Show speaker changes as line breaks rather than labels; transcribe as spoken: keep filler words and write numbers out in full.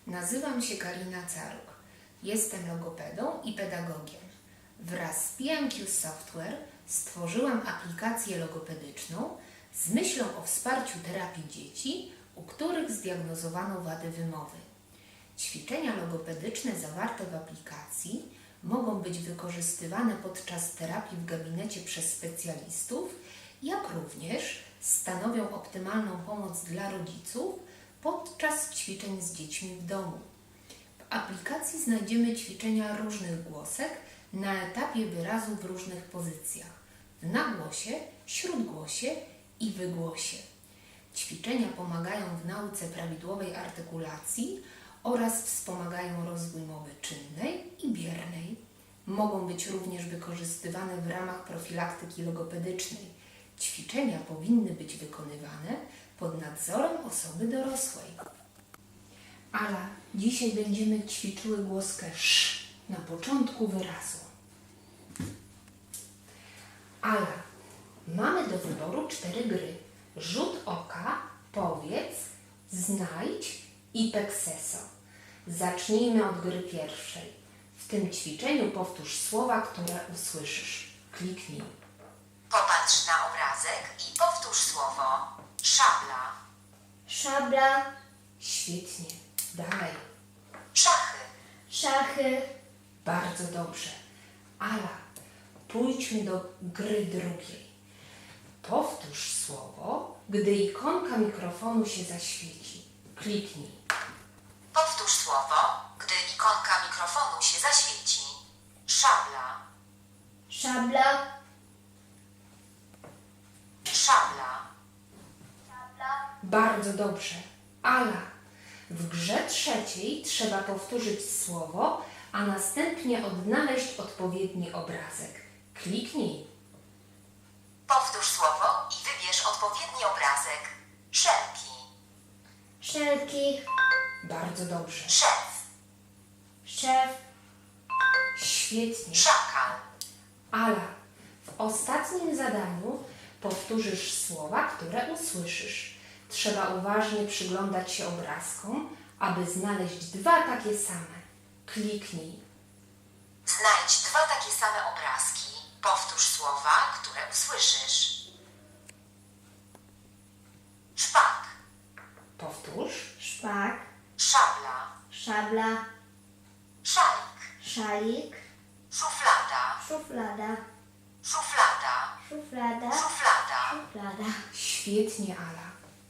Nazywam się Karina Caruk. Jestem logopedą i pedagogiem. Wraz z P M Q Software stworzyłam aplikację logopedyczną z myślą o wsparciu terapii dzieci, u których zdiagnozowano wady wymowy. Ćwiczenia logopedyczne zawarte w aplikacji mogą być wykorzystywane podczas terapii w gabinecie przez specjalistów, jak również stanowią optymalną pomoc dla rodziców podczas ćwiczeń z dziećmi w domu. W aplikacji znajdziemy ćwiczenia różnych głosek na etapie wyrazu w różnych pozycjach: w nagłosie, śródgłosie i wygłosie. Ćwiczenia pomagają w nauce prawidłowej artykulacji oraz wspomagają rozwój mowy czynnej i biernej. Mogą być również wykorzystywane w ramach profilaktyki logopedycznej. Ćwiczenia powinny być wykonywane pod nadzorem osoby dorosłej. Ala, dzisiaj będziemy ćwiczyły głoskę sz na początku wyrazu. Ala, mamy do wyboru cztery gry. Rzut oka, powiedz, znajdź i pekseso. Zacznijmy od gry pierwszej. W tym ćwiczeniu powtórz słowa, które usłyszysz. Kliknij.
Popatrz na obrazek i powtórz słowo szabla,
Szabla,
Świetnie. Dalej.
szachy,
szachy,
Bardzo dobrze. Ala, pójdźmy do gry drugiej. Powtórz słowo, gdy ikonka mikrofonu się zaświeci. Kliknij.
powtórz słowo, gdy ikonka mikrofonu się zaświeci. Szabla,
szabla,
szabla,
Bardzo dobrze. Ala, w grze trzeciej trzeba powtórzyć słowo, a następnie odnaleźć odpowiedni obrazek. Kliknij.
powtórz słowo i wybierz odpowiedni obrazek. Szelki,
szelki,
Bardzo dobrze.
szef,
szef,
Świetnie.
szakal,
Ala, w ostatnim zadaniu powtórzysz słowa, które usłyszysz. Trzeba uważnie przyglądać się obrazkom, aby znaleźć dwa takie same. Kliknij.
znajdź dwa takie same obrazki. Powtórz słowa, które usłyszysz. Szpak,
Powtórz.
szpak,
szabla,
szabla,
szalik,
szalik,
szuflada,
szuflada,
szuflada,
szuflada,
szuflada.
szuflada.
Świetnie, Ala.